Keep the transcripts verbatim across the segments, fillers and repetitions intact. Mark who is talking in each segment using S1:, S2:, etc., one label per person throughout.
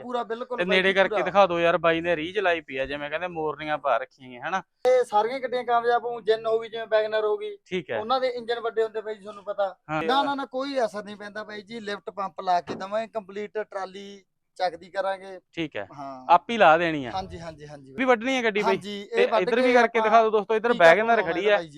S1: ਪੂਰਾ ਬਿਲਕੁਲ
S2: ਤੇ ਨੇੜੇ ਕਰਕੇ ਦਿਖਾ ਦਿਓ ਯਾਰ, ਬਾਈ ਨੇ ਰੀਝ ਲਾਈ ਪਈ ਆ ਜਿਵੇਂ ਕਹਿੰਦੇ ਮੋਰਨੀਆਂ ਪਾ ਰੱਖੀਆਂ ਹਨਾ।
S1: ਇਹ ਸਾਰੀਆਂ ਗੱਡੀਆਂ ਕਾਮਯਾਬ ਹੋਊ, ਜਿੰਨ ਹੋ ਗਈ ਜਿਵੇਂ ਵੈਗਨਰ ਹੋ ਗਈ,
S2: ਠੀਕ ਹੈ,
S1: ਉਹਨਾਂ ਦੇ ਇੰਜਨ ਵੱਡੇ ਹੁੰਦੇ ਬਾਈ ਜੀ ਤੁਹਾਨੂੰ ਪਤਾ। ਨਾ ਨਾ ਨਾ ਕੋਈ ਅਸਰ ਨਹੀਂ ਪੈਂਦਾ ਬਾਈ ਜੀ, ਲਿਫਟ ਪੰਪ ਲਾ ਕੇ ਦਵਾਂਗੇ, ਕੰਪਲੀਟ ਟਰਾਲੀ ਚੱਕਦੀ ਕਰਾਂਗੇ।
S2: ਠੀਕ ਹੈ,
S1: ਹਾਂ
S2: ਆਪ ਹੀ ਲਾ ਦੇਣੀ ਆ।
S1: ਹਾਂਜੀ ਹਾਂਜੀ ਹਾਂਜੀ
S2: ਵੀ ਵੱਢਣੀ ਹੈ ਗੱਡੀ ਬਾਈ।
S1: ਹਾਂਜੀ
S2: ਤੇ ਇੱਧਰ ਵੀ ਕਰਕੇ ਦਿਖਾ ਦਿਓ ਦੋਸਤੋ, ਇੱਧਰ ਵੈਗਨਰ ਖੜੀ ਆ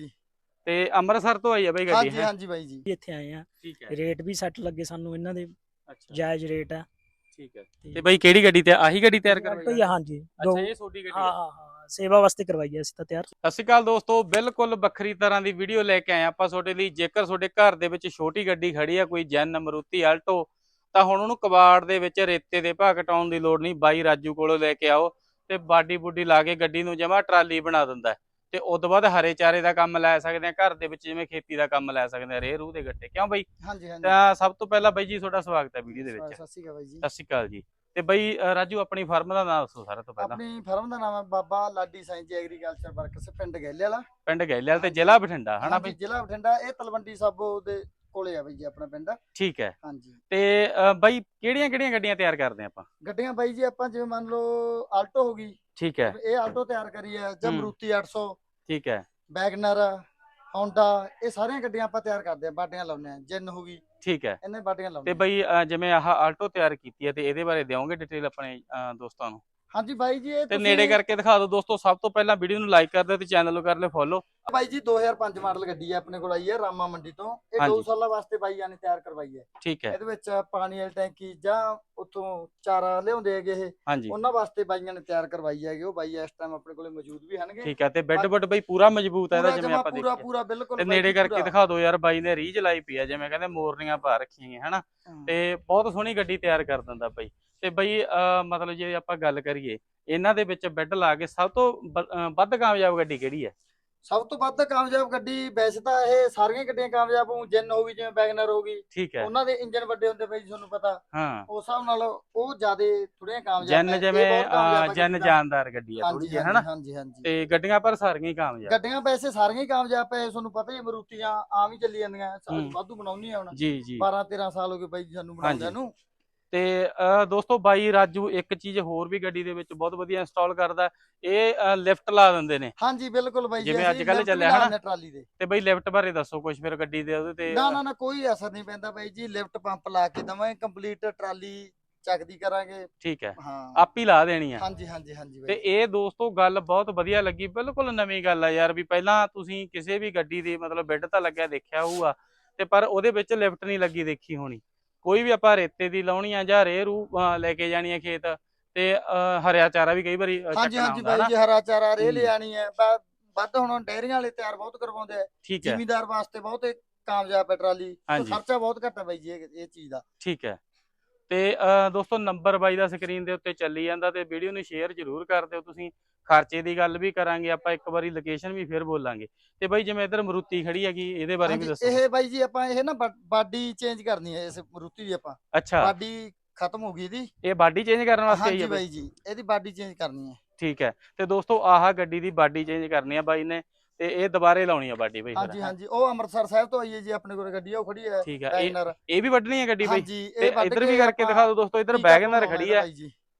S2: ਤੇ ਅੰਮ੍ਰਿਤਸਰ ਤੋਂ ਆਈ ਆ ਬਾਈ ਗੱਡੀ।
S1: ਹਾਂਜੀ ਹਾਂਜੀ ਬਾਈ ਜੀ
S3: ਇੱਥੇ ਆਏ ਆ,
S2: ਠੀਕ ਹੈ,
S3: ਰੇਟ ਵੀ ਸੈੱਟ ਲੱਗੇ ਸਾਨੂੰ ਇਹਨਾਂ ਦੇ,
S2: ਅੱਛਾ
S3: ਜਾਇਜ਼ ਰੇਟ ਆ।
S2: ਠੀਕ ਹੈ। ਤੇ ਬਾਈ ਕਿਹੜੀ ਗੱਡੀ ਤੇ ਆਹੀ ਗੱਡੀ ਤਿਆਰ ਕਰਵਾਈ?
S3: ਹਾਂਜੀ,
S2: ਅੱਛਾ ਇਹ ਛੋਟੀ ਗੱਡੀ
S3: ਹਾਂ ਹਾਂ ਹਾਂ, ਸੇਵਾ ਵਾਸਤੇ ਕਰਵਾਈ ਹੈ ਅਸੀਂ ਤਾਂ ਤਿਆਰ।
S2: ਸਤਿ ਸ਼੍ਰੀ ਅਕਾਲ ਦੋਸਤੋ, ਬਿਲਕੁਲ ਵੱਖਰੀ ਤਰ੍ਹਾਂ ਦੀ ਵੀਡੀਓ ਲੈ ਕੇ ਆਏ ਆਪਾਂ ਤੁਹਾਡੇ ਲਈ। ਜੇਕਰ ਤੁਹਾਡੇ ਘਰ ਦੇ ਵਿੱਚ ਛੋਟੀ ਗੱਡੀ ਖੜੀ ਆ, ਕੋਈ ਜੈਨ, ਮਰੂਤੀ, ਆਲਟੋ, ਤਾਂ ਹੁਣ ਉਹਨੂੰ ਕਬਾੜ ਦੇ ਵਿੱਚ ਰੇਤੇ ਦੇ ਭਾਅ ਕਟਾਉਣ ਦੀ ਲੋੜ ਨਹੀਂ। ਬਾਈ ਰਾਜੂ ਕੋਲੋਂ ਲੈ ਕੇ ਆਓ ਤੇ ਬਾਡੀ ਬੁੱਡੀ ਲਾ ਕੇ ਗੱਡੀ ਨੂੰ ਜਮਾ ਟਰਾਲੀ ਬਣਾ ਦਿੰਦਾ। ਤੇ ਉਸ ਤੋਂ ਬਾਅਦ ਹਰੇ ਚਾਰੇ ਦਾ ਕੰਮ ਲੈ ਸਕਦੇ ਆ ਘਰ ਦੇ ਵਿੱਚ, ਜਿਵੇਂ ਖੇਤੀ ਦਾ ਕੰਮ ਲੈ ਸਕਦੇ ਆ, ਰੇਹ ਰੂਹ ਦੇ ਗੱਟੇ। ਕਿਉਂ ਬਾਈ?
S1: ਹਾਂਜੀ ਹਾਂਜੀ।
S2: ਤਾਂ ਸਭ ਤੋਂ ਪਹਿਲਾਂ ਬਾਈ ਜੀ ਤੁਹਾਡਾ ਸਵਾਗਤ ਹੈ ਵੀਡੀਓ ਦੇ ਵਿੱਚ।
S1: ਸਤਿ ਸ਼੍ਰੀ ਅਕਾਲ ਬਾਈ ਜੀ।
S2: ਸਤਿ ਸ਼੍ਰੀ ਅਕਾਲ ਜੀ। ਤੇ ਬਾਈ ਰਾਜੂ ਆਪਣੀ ਫਰਮ ਦਾ ਨਾਮ ਦੱਸੋ ਸਾਰਾ ਤੋਂ ਪਹਿਲਾਂ।
S1: ਆਪਣੀ ਫਰਮ ਦਾ ਨਾਮ ਹੈ ਬਾਬਾ ਲਾਡੀ ਸਾਈਂ ਜੀ ਐਗਰੀਕਲਚਰ ਵਰਕਸ, ਪਿੰਡ ਗੈਲੇ ਵਾਲਾ।
S2: ਪਿੰਡ ਗੈਲੇ ਵਾਲਾ ਤੇ ਜ਼ਿਲ੍ਹਾ ਬਠਿੰਡਾ ਹਨਾ ਬਾਈ?
S1: ਜ਼ਿਲ੍ਹਾ ਬਠਿੰਡਾ, ਇਹ ਤਲਵੰਡੀ ਸਾਬੋ ਦੇ ਕੋਲੇ ਆ ਬਾਈ ਜੀ ਆਪਣਾ ਪਿੰਡ।
S2: ਠੀਕ ਹੈ।
S1: ਹਾਂਜੀ।
S2: ਤੇ ਬਾਈ ਕਿਹੜੀਆਂ ਕਿਹੜੀਆਂ ਗੱਡੀਆਂ ਤਿਆਰ ਕਰਦੇ ਆਪਾਂ?
S1: ਗੱਡੀਆਂ ਬਾਈ ਜੀ ਆਪਾਂ ਜਿਵੇਂ ਮੰਨ ਲਓ ਆਲਟੋ ਹੋ ਗਈ।
S2: ਠੀਕ ਹੈ।
S1: ਇਹ ਆਲਟੋ ਤਿਆਰ ਕਰੀ ਹੈ, ਜਾਂ ਮਰੂਤੀ ਅੱਠ ਸੌ।
S2: ਠੀਕ ਹੈ।
S1: ਵੈਗਨਰ, ਹੋਂਡਾ, ਇਹ ਸਾਰੀਆਂ ਗੱਡੀਆਂ ਆਪਾਂ ਤਿਆਰ ਕਰਦੇ ਆ, ਬਾਡੀਆਂ ਲਾਉਂਦੇ ਆ। ਜਿੰਨ ਹੋ ਗਈ।
S2: ਠੀਕ ਹੈ।
S1: ਇਹਨੇ ਬਾਡੀਆਂ ਲਾਉਂਦੇ।
S2: ਤੇ ਬਾਈ ਜਿਵੇਂ ਆਹ ਆਲਟੋ ਤਿਆਰ ਕੀਤੀ ਹੈ, ਤੇ ਇਹਦੇ ਬਾਰੇ ਦਿਓਗੇ ਡਿਟੇਲ ਆਪਣੇ ਦੋਸਤਾਂ ਨੂੰ?
S1: ਹਾਂਜੀ ਬਾਈ ਜੀ, ਇਹ
S2: ਤੇ ਨੇੜੇ ਕਰਕੇ ਦਿਖਾ ਦਿਓ ਦੋਸਤੋ। ਸਭ ਤੋਂ ਪਹਿਲਾਂ ਵੀਡੀਓ ਨੂੰ ਲਾਈਕ ਕਰ ਦਿਓ ਤੇ ਚੈਨਲ ਨੂੰ ਕਰ ਲਿਓ ਫੋਲੋ।
S1: ਬਾਈ ਜੀ ਦੋ ਹਜ਼ਾਰ ਪੰਜ ਮਾਡਲ ਗੱਡੀ ਹੈ ਆਪਣੇ ਕੋਲ ਆਈ ਹੈ ਰਾਮਾ ਮੰਡੀ ਤੋਂ। ਇਹ ਦੋ ਸਾਲਾਂ ਵਾਸਤੇ ਬਾਈਆਂ ਨੇ ਤਿਆਰ ਕਰਵਾਈ ਹੈ।
S2: ਠੀਕ ਹੈ।
S1: ਇਹਦੇ ਵਿੱਚ ਪਾਣੀ ਵਾਲੀ ਟੈਂਕੀ ਜਾਂ ਉੱਥੋਂ ਚਾਰਾ ਲਿਆਉਂਦੇ ਹੈਗੇ ਇਹ, ਉਹਨਾਂ ਵਾਸਤੇ ਬਾਈਆਂ ਨੇ ਤਿਆਰ ਕਰਵਾਈ ਹੈਗੀ। ਉਹ ਬਾਈ ਇਸ ਟਾਈਮ ਆਪਣੇ ਕੋਲੇ ਮੌਜੂਦ ਵੀ ਹਨਗੇ।
S2: ਠੀਕ ਹੈ। ਤੇ ਬੈੱਡ ਬੁੱਡ ਬਾਈ ਪੂਰਾ ਮਜ਼ਬੂਤ ਹੈ ਇਹਦਾ, ਜਿਵੇਂ ਆਪਾਂ ਦੇਖੀਏ?
S1: ਪੂਰਾ ਪੂਰਾ ਬਿਲਕੁਲ।
S2: ਤੇ ਨੇੜੇ ਕਰਕੇ ਦਿਖਾ ਦਿਓ ਯਾਰ, ਬਾਈ ਨੇ ਰੀਝ ਲਾਈ ਪਈ ਆ ਜਿਵੇਂ ਕਹਿੰਦੇ ਮੋਰਨੀਆਂ ਪਾ ਰੱਖੀਆਂ ਹਨਾ। ਤੇ ਬਹੁਤ ਸੋਹਣੀ ਗੱਡੀ ਤਿਆਰ ਕਰ ਦਿੰਦਾ ਬਾਈ। ਤੇ ਬਾਈ ਮਤਲਬ ਜੇ ਆਪਾਂ ਗੱਲ ਕਰੀਏ ਇਹਨਾਂ ਦੇ ਵਿੱਚ ਬੈੱਡ ਲਾ ਕੇ ਸਭ ਤੋਂ ਵੱਧ ਕਾਮਯਾਬ ਗੱਡੀ ਕਿਹੜੀ ਹੈ?
S1: ਸਭ ਤੋਂ ਵੱਧ ਕਾਮਯਾਬ ਗੱਡੀ ਵੈਸੇ ਤਾਂ ਇਹ ਸਾਰੀਆਂ ਗੱਡੀਆਂ ਕਾਮਯਾਬ ਹੋਊ, ਜਿੰਨ ਹੋ ਗਈ ਜਿਵੇਂ ਵੈਗਨਰ ਹੋ ਗਈ।
S2: ਠੀਕ ਹੈ।
S1: ਉਹਨਾਂ ਦੇ ਇੰਜਨ ਵੱਡੇ ਹੁੰਦੇ ਬਾਈ ਜੀ ਤੁਹਾਨੂੰ ਪਤਾ।
S2: ਹਾਂ, ਉਸ
S1: ਹਿਸਾਬ ਨਾਲ ਉਹ ਜ਼ਿਆਦਾ ਥੋੜੀਆਂ ਕਾਮਯਾਬ।
S2: ਜੈਨ ਜਿਵੇਂ ਜੈਨ ਜਾਨਦਾਰ ਗੱਡੀ ਆ ਥੋੜੀ ਜਿਹੀ ਹਨਾ।
S1: ਹਾਂਜੀ ਹਾਂਜੀ।
S2: ਤੇ ਗੱਡੀਆਂ ਪਰ ਸਾਰੀਆਂ ਹੀ ਕਾਮਯਾਬ।
S1: ਗੱਡੀਆਂ ਵੈਸੇ ਸਾਰੀਆਂ ਹੀ ਕਾਮਯਾਬ ਪਏ, ਤੁਹਾਨੂੰ ਪਤਾ ਹੀ ਮਰੂਤੀਆਂ ਆਮ ਹੀ ਚੱਲੀ ਜਾਂਦੀਆਂ, ਵਾਧੂ ਬਣਾਉਣੀ ਆ ਹੁਣ।
S2: ਜੀ ਜੀ।
S1: ਬਾਰਾਂ ਤੇਰਾਂ ਸਾਲ ਹੋ ਗਏ ਬਾਈ ਜੀ ਸਾਨੂੰ ਬਣਾਉਂਦਿਆਂ ਨੂੰ।
S2: ਤੇ ਦੋਸਤੋ ਬਾਈ ਰਾਜੂ ਇੱਕ ਚੀਜ਼ ਹੋਰ ਵੀ ਗੱਡੀ ਦੇ ਵਿੱਚ ਬਹੁਤ ਵਧੀਆ ਇੰਸਟਾਲ ਕਰਦਾ, ਇਹ ਲਿਫਟ ਲਾ ਦਿੰਦੇ ਨੇ।
S1: ਹਾਂਜੀ ਬਿਲਕੁਲ ਬਾਈ ਜੀ,
S2: ਜਿਵੇਂ ਅੱਜ ਕੱਲ ਚੱਲਿਆ ਹਨਾ
S1: ਟਰਾਲੀ ਦੇ।
S2: ਤੇ ਬਾਈ ਲਿਫਟ ਬਾਰੇ ਦੱਸੋ ਕੁਝ ਫਿਰ ਗੱਡੀ ਦੇ ਉਹਦੇ ਤੇ?
S1: ਨਾ ਨਾ ਨਾ ਕੋਈ ਅਸਰ ਨਹੀਂ ਪੈਂਦਾ ਬਾਈ ਜੀ, ਲਿਫਟ ਪੰਪ ਲਾ ਕੇ ਦਵਾਂਗੇ, ਕੰਪਲੀਟ ਟਰਾਲੀ ਚੱਕਦੀ ਕਰਾਂਗੇ।
S2: ਠੀਕ ਹੈ।
S1: ਹਾਂ,
S2: ਆਪ ਹੀ ਲਾ ਦੇਣੀ ਆ।
S1: ਹਾਂਜੀ ਹਾਂਜੀ ਹਾਂਜੀ।
S2: ਤੇ ਇਹ ਦੋਸਤੋ ਗੱਲ ਬਹੁਤ ਵਧੀਆ ਲੱਗੀ, ਬਿਲਕੁਲ ਨਵੀਂ ਗੱਲ ਆ ਯਾਰ। ਵੀ ਪਹਿਲਾਂ ਤੁਸੀਂ ਕਿਸੇ ਵੀ ਗੱਡੀ ਦੀ ਮਤਲਬ ਬੈੱਡ ਤਾਂ ਲੱਗਿਆ ਦੇਖਿਆ ਹੋਊਗਾ, ਤੇ ਪਰ ਉਹਦੇ ਵਿੱਚ ਲਿਫਟ ਨਹੀਂ ਲੱਗੀ ਦੇਖੀ ਹੋਣੀ। ਕੋਈ ਵੀ ਆਪਾਂ ਰੇਤੇ ਦੀ ਲਾਉਣੀ ਆ ਜਾਂ ਰੇਹ ਰੂ ਲੈ ਕੇ ਜਾਣੀ ਆ ਖੇਤ, ਤੇ ਹਰਿਆ ਚਾਰਾ ਵੀ ਕਈ ਵਾਰੀ
S1: ਹਾਂਜੀ ਹਾਂਜੀ ਬਾਈ ਜੀ, ਹਰਾ ਚਾਰਾ ਰੇਹ ਲਿਆਣੀ ਹੈ। ਵੱਧ ਹੁਣ ਡੈਰੀਆਂ ਵਾਲੇ ਤਿਆਰ ਬਹੁਤ ਕਰਵਾਉਂਦੇ ਆ।
S2: ਠੀਕ ਹੈ।
S1: ਜ਼ਿਮੀਦਾਰ ਵਾਸਤੇ ਬਹੁਤ ਕਾਮਯਾਬ ਹੈ ਟਰਾਲੀ, ਖਰਚਾ ਬਹੁਤ ਘੱਟ ਹੈ ਬਾਈ ਜੀ ਇਹ ਚੀਜ਼ ਦਾ।
S2: ਠੀਕ ਹੈ। ਤੇ ਦੋਸਤੋ ਨੰਬਰ ਬਾਈ ਦਾ ਸਕਰੀਨ ਦੇ ਉੱਤੇ ਚੱਲੀ ਜਾਂਦਾ, ਤੇ ਵੀਡੀਓ ਨੂੰ ਸ਼ੇਅਰ ਜ਼ਰੂਰ ਕਰ ਦਿਓ ਤੁਸੀਂ। ਖਰਚੇ ਦੀ ਗੱਲ ਵੀ ਕਰਾਂਗੇ ਆਪਾਂ, ਇੱਕ ਵਾਰੀ ਲੋਕੇਸ਼ਨ ਵੀ ਫਿਰ ਬੋਲਾਂਗੇ। ਤੇ ਬਾਈ ਜਿਵੇਂ ਇੱਧਰ ਮਰੂਤੀ ਖੜੀ ਹੈਗੀ, ਇਹਦੇ ਬਾਰੇ ਵੀ ਦੱਸੋ।
S1: ਇਹ ਬਾਈ ਜੀ ਆਪਾਂ ਇਹ ਨਾ ਬਾਡੀ ਚੇਂਜ ਕਰਨੀ ਹੈ ਇਸ ਮਰੂਤੀ ਦੀ ਆਪਾਂ।
S2: ਅੱਛਾ,
S1: ਬਾਡੀ ਖਤਮ ਹੋ ਗਈ ਇਹਦੀ, ਇਹ
S2: ਬਾਡੀ ਚੇਂਜ ਕਰਨ ਵਾਸਤੇ ਆਈ ਹੈ
S1: ਬਾਈ ਜੀ? ਇਹਦੀ ਬਾਡੀ ਚੇਂਜ ਕਰਨੀ ਹੈ।
S2: ਠੀਕ ਹੈ। ਤੇ ਦੋਸਤੋ ਆਹ ਗੱਡੀ ਦੀ ਬਾਡੀ ਚੇਂਜ ਕਰਨੀ ਆ ਬਾਈ ਨੇ, ਤੇ ਇਹ ਦੁਬਾਰੇ ਲਾਉਣੀ ਆ ਬਾਡੀ ਬਾਈ?
S1: ਹਾਂਜੀ ਹਾਂਜੀ। ਉਹ ਅੰਮ੍ਰਿਤਸਰ ਸਾਹਿਬ ਤੋਂ ਆਈ ਹੈ ਜੀ ਆਪਣੇ ਕੋਲ ਗੱਡੀ, ਉਹ ਖੜੀ ਹੈ।
S2: ਠੀਕ ਹੈ। ਇਹ ਵੀ ਵੱਢਣੀ ਹੈ ਗੱਡੀ ਬਾਈ?
S1: ਤੇ
S2: ਇੱਧਰ ਵੀ ਕਰਕੇ ਦਿਖਾ ਦਿਓ ਦੋਸਤੋ, ਇੱਧਰ ਵੈਗਨਰ ਖੜੀ ਹੈ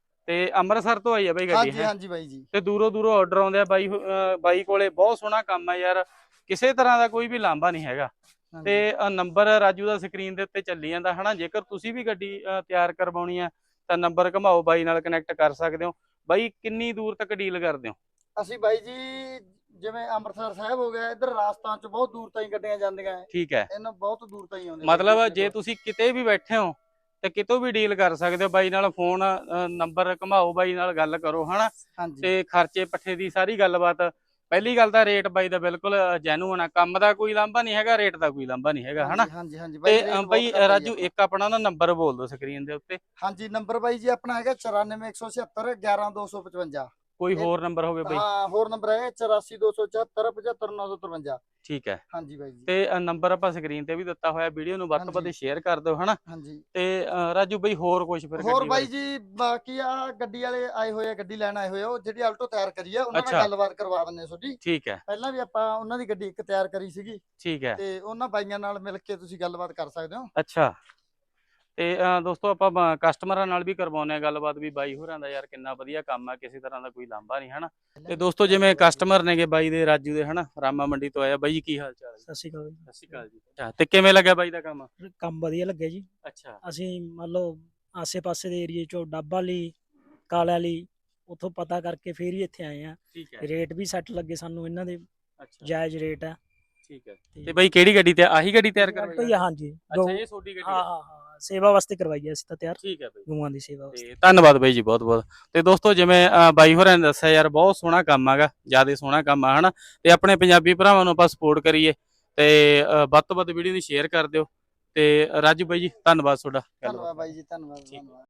S2: ਤੇ ਅੰਮ੍ਰਿਤਸਰ ਤੋਂ ਆਈ ਹੈ ਬਾਈ ਗੱਡੀ।
S1: ਹਾਂਜੀ ਹਾਂਜੀ ਬਾਈ ਜੀ।
S2: ਤੇ ਦੂਰੋਂ ਦੂਰੋਂ ਆਰਡਰ ਆਉਂਦੇ ਆ ਬਾਈ ਬਾਈ ਕੋਲੇ। ਬਹੁਤ ਸੋਹਣਾ ਕੰਮ ਹੈ ਯਾਰ, ਕਿਸੇ ਤਰ੍ਹਾਂ ਦਾ ਕੋਈ ਵੀ ਲਾਂਭਾ ਨਹੀਂ ਹੈਗਾ। ਤੇ ਨੰਬਰ ਰਾਜੂ ਦਾ ਸਕਰੀਨ ਦੇ ਉੱਤੇ ਚੱਲੀ ਜਾਂਦਾ ਹਨਾ। ਜੇਕਰ ਤੁਸੀਂ ਵੀ ਗੱਡੀ ਤਿਆਰ ਕਰਵਾਉਣੀ ਆ ਤਾਂ ਨੰਬਰ ਘਮਾਓ, ਬਾਈ ਨਾਲ ਕਨੈਕਟ ਕਰ ਸਕਦੇ ਹੋ। ਬਾਈ ਕਿੰਨੀ ਦੂਰ ਤੱਕ ਡੀਲ ਕਰਦੇ ਹੋ?
S1: ਅਸੀਂ ਬਾਈ ਜੀ ਜਿਵੇਂ ਅੰਮ੍ਰਿਤਸਰ ਸਾਹਿਬ ਹੋ ਗਿਆ, ਇੱਧਰ ਰਾਜਸਥਾਨ ਚ ਬਹੁਤ ਦੂਰ ਤਾਈਂ ਗੱਡੀਆਂ ਜਾਂਦੀਆਂ।
S2: ਠੀਕ ਹੈ।
S1: ਇਹਨਾਂ ਬਹੁਤ ਦੂਰ ਤਾਈਂ ਆਉਂਦੇ।
S2: ਮਤਲਬ ਜੇ ਤੁਸੀਂ ਕਿਤੇ ਵੀ ਬੈਠੇ ਹੋ ਤੇ ਕਿਤੋਂ ਵੀ ਡੀਲ ਕਰ ਸਕਦੇ ਹੋ ਬਾਈ ਨਾਲ। ਫੋਨ ਨੰਬਰ ਘਮਾਓ, ਬਾਈ ਨਾਲ ਗੱਲ ਕਰੋ ਹਨਾ। ਤੇ ਖਰਚੇ ਪੱਠੇ ਦੀ ਸਾਰੀ ਗੱਲਬਾਤ। ਪਹਿਲੀ ਗੱਲ ਤਾਂ ਰੇਟ ਬਾਈ ਦਾ ਬਿਲਕੁਲ ਜੈਨੂਅਨ ਆ, ਕੰਮ ਦਾ ਕੋਈ ਲਾਂਭਾ ਨਹੀਂ ਹੈਗਾ, ਰੇਟ ਦਾ ਕੋਈ ਲਾਂਭਾ ਨਹੀਂ ਹੈਗਾ ਹਨਾ।
S1: ਹਾਂਜੀ ਹਾਂਜੀ।
S2: ਤੇ ਬਾਈ ਰਾਜੂ ਇੱਕ ਆਪਣਾ ਨਾ ਨੰਬਰ ਬੋਲ ਦਿਓ ਸਕਰੀਨ ਦੇ ਉੱਤੇ।
S1: ਹਾਂਜੀ, ਨੰਬਰ ਬਾਈ ਜੀ ਆਪਣਾ ਹੈਗਾ ਚੁਰਾਨਵੇਂ ਇੱਕ ਸੌ ਛਿਅੱਤਰ ਗਿਆਰਾਂ ਦੋ ਸੌ ਪਚਵੰਜਾ।
S2: ਕੋਈ ਹੋਰ ਨੰਬਰ ਹੋਵੇ ਬਾਈ?
S1: ਹਾਂ, ਹੋਰ ਨੰਬਰ ਹੈ ਚੁਰਾਸੀ ਦੋ ਸੌ ਚੁਹੱਤਰ ਪਝੱਤਰ ਨੌ ਸੌ ਤਰਵੰਜਾ।
S2: ਠੀਕ ਹੈ।
S1: ਹਾਂਜੀ ਬਾਈ ਜੀ।
S2: ਤੇ ਨੰਬਰ ਆਪਾਂ ਸਕਰੀਨ ਤੇ ਵੀ ਦਿੱਤਾ ਹੋਇਆ, ਵੀਡੀਓ ਨੂੰ ਵੱਧ ਤੋਂ ਵੱਧ ਸ਼ੇਅਰ ਕਰ ਦਿਓ ਹਨਾ।
S1: ਹਾਂਜੀ। ਤੇ
S2: ਰਾਜੂ ਬਾਈ ਹੋਰ ਕੁਝ ਫਿਰ?
S1: ਹੋਰ ਬਾਈ ਜੀ ਬਾਕੀ ਆ ਗੱਡੀ ਵਾਲੇ ਆਏ ਹੋਏ ਆ, ਗੱਡੀ ਲੈਣ ਆਏ ਹੋਏ ਆ, ਉਹ ਜਿਹੜੀ ਆਲਟੋ ਤਿਆਰ ਕਰੀ ਆ, ਉਹਨਾਂ ਨਾਲ ਗੱਲਬਾਤ ਕਰਵਾ ਦਿੰਨੇ ਤੁਹਾਡੀ।
S2: ਠੀਕ ਹੈ।
S1: ਪਹਿਲਾਂ ਵੀ ਆਪਾਂ ਉਹਨਾਂ ਦੀ ਗੱਡੀ ਇੱਕ ਤਿਆਰ ਕਰੀ ਸੀਗੀ।
S2: ਠੀਕ ਹੈ।
S1: ਤੇ ਉਹਨਾਂ ਬਾਈਆਂ ਨਾਲ ਮਿਲ ਕੇ ਤੁਸੀਂ ਗੱਲਬਾਤ ਕਰ ਸਕਦੇ ਹੋ।
S2: ਅੱਛਾ। ਤੇ ਅਹ, ਦੋਸਤੋ ਆਪਾਂ ਬ- ਕਸਟਮਰਾਂ ਨਾਲ ਵੀ ਕਰਵਾਉਂਦੇ ਆ ਗੱਲਬਾਤ ਵੀ ਬਾਈ ਹੋਰਾਂ ਦਾ ਯਾਰ ਕਿੰਨਾ ਵਧੀਆ ਕੰਮ ਆ, ਕਿਸੇ ਤਰ੍ਹਾਂ ਦਾ ਕੋਈ ਲਾਂਭਾ ਨਹੀਂ ਹਨਾ। ਤੇ ਦੋਸਤੋ ਜਿਵੇਂ ਕਸਟਮਰ ਨੇਗੇ ਬਾਈ ਦੇ ਰਾਜੂ ਦੇ ਹਨਾ, ਰਾਮਾ ਮੰਡੀ ਤੋਂ ਆਇਆ ਬਾਈ ਜੀ, ਕੀ ਹਾਲ ਚਾਲ ਹੈ?
S3: ਸਤਿ ਸ਼੍ਰੀ ਅਕਾਲ
S2: ਸਤਿ ਸ਼੍ਰੀ ਅਕਾਲ ਜੀ। ਅੱਛਾ, ਤੇ ਕਿਵੇਂ ਲੱਗਿਆ ਬਾਈ ਦਾ ਕੰਮ?
S3: ਜੀ। ਕੰਮ ਵਧੀਆ ਲੱਗਿਆ ਜੀ।
S2: ਅੱਛਾ
S3: ਅਸੀਂ ਮੰਨ ਲਓ ਆਸੇ-ਪਾਸੇ ਦੇ ਏਰੀਏ ਚੋਂ ਡੱਬਾ ਲਈ ਕਾਲਾ ਲਈ ਉੱਥੋਂ ਪਤਾ ਕਰਕੇ ਫੇਰ ਹੀ ਇੱਥੇ ਆਏ ਆ।
S2: ਠੀਕ ਹੈ।
S3: ਰੇਟ ਵੀ ਸੈੱਟ ਲੱਗੇ ਸਾਨੂੰ ਇਹਨਾਂ ਦੇ,
S2: ਅੱਛਾ
S3: ਜਾਇਜ਼ ਰੇਟ ਆ।
S2: ਠੀਕ ਹੈ। ਤੇ ਬਾਈ ਕਿਹੜੀ ਗੱਡੀ ਤੇ ਆਹੀ ਗੱਡੀ ਤਿਆਰ
S3: ਆਲਟੋ
S2: ਕਰਵਾਈ?
S3: ਹੀ ਆ, ਹਾਂਜੀ।
S2: ਅੱਛਾ, ਇਹ ਛੋਟੀ ਗੱਡੀ
S3: ਹਾਂ
S2: ਹੈ।
S3: ਹਾਂ ਹਾਂ ਸੇਵਾ ਵਾਸਤੇ ਕਰਵਾਈ ਹੈ ਅਸੀਂ ਤਾਂ ਤਿਆਰ,
S2: ਠੀਕ ਹੈ ਬਾਈ।
S3: ਗਊਆਂ ਦੀ ਸੇਵਾ ਵਾਸਤੇ।
S2: ਤੇ ਧੰਨਵਾਦ ਬਾਈ ਜੀ, ਬਹੁਤ ਬਹੁਤ। ਤੇ ਦੋਸਤੋ ਜਿਵੇਂ ਅਹ, ਬਾਈ ਹੋਰਾਂ ਨੇ ਦੱਸਿਆ ਯਾਰ ਬਹੁਤ ਸੋਹਣਾ ਕੰਮ ਹੈਗਾ, ਜਿਆਦਾ ਸੋਹਣਾ ਕੰਮ ਆ ਹਨਾ। ਤੇ ਆਪਣੇ ਪੰਜਾਬੀ ਭਰਾਵਾਂ ਨੂੰ ਆਪਾਂ ਸਪੋਰਟ ਕਰੀਏ ਤੇ ਅਹ, ਵੱਧ ਤੋਂ ਵੱਧ ਵੀਡੀਓ ਨੂੰ ਸ਼ੇਅਰ ਕਰ ਦਿਓ। ਤੇ ਰਾਜੂ ਬਾਈ ਜੀ ਧੰਨਵਾਦ ਤੁਹਾਡਾ।
S1: ਧੰਨਵਾਦ ਬਾਈ ਜੀ, ਧੰਨਵਾਦ ਧੰਨਵਾਦ।